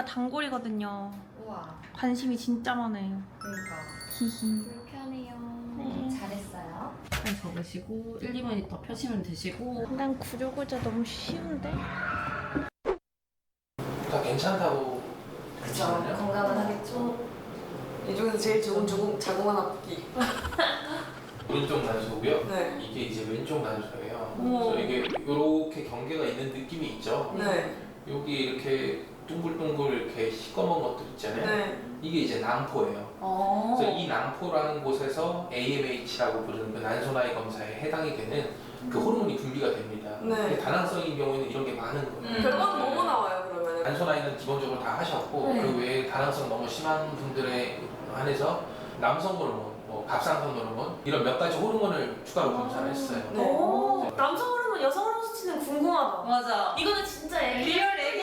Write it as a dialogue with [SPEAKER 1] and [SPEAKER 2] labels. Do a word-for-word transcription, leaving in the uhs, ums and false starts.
[SPEAKER 1] 단골이거든요.
[SPEAKER 2] 우와.
[SPEAKER 1] 관심이 진짜 많아요.
[SPEAKER 2] 그러니까.
[SPEAKER 1] 히히.
[SPEAKER 2] 불편해요.
[SPEAKER 1] 네.
[SPEAKER 2] 잘했어요.
[SPEAKER 3] 잘 적으시고 일, 이 분이 더 펴시면 되시고.
[SPEAKER 1] 난 구조구조 너무 쉬운데?
[SPEAKER 4] 다 괜찮다고.
[SPEAKER 2] 그쵸. 건강은 하겠죠.
[SPEAKER 5] 이 중에서 제일 좋은 조금 자궁만 아프기.
[SPEAKER 4] 오른쪽 난소고요.
[SPEAKER 5] 네.
[SPEAKER 4] 이게 이제 왼쪽 난소예요.
[SPEAKER 5] 어머.
[SPEAKER 4] 그래서 이게 이렇게 경계가 있는 느낌이 있죠.
[SPEAKER 5] 네.
[SPEAKER 4] 여기 이렇게 둥글둥글 이렇게 시꺼먼 것들 있잖아요.
[SPEAKER 5] 네.
[SPEAKER 4] 이게 이제 낭포예요.
[SPEAKER 2] 어.
[SPEAKER 4] 그래서 이 낭포라는 곳에서 에이엠에이치라고 부르는 그 난소나이 검사에 해당이 되는 그 호르몬이 분비가 됩니다.
[SPEAKER 5] 네.
[SPEAKER 4] 근데 다낭성인 경우에는 이런 게 많은 거예요.
[SPEAKER 2] 음.
[SPEAKER 5] 결과는 뭐뭐 나와요 그러면은?
[SPEAKER 4] 난소나이는 기본적으로 다 하셨고
[SPEAKER 2] 네.
[SPEAKER 4] 그 외에 다낭성 너무 심한 분들에 한해서 남성 호르몬, 뭐 갑상선 호르몬 이런 몇 가지 호르몬을 추가로 검사를 했어요.
[SPEAKER 5] 네.
[SPEAKER 1] 오, 남성 호르몬, 여성 호르몬 수치는 궁금하다.
[SPEAKER 2] 맞아.
[SPEAKER 1] 이거는 진짜 애기.
[SPEAKER 2] 리얼 애기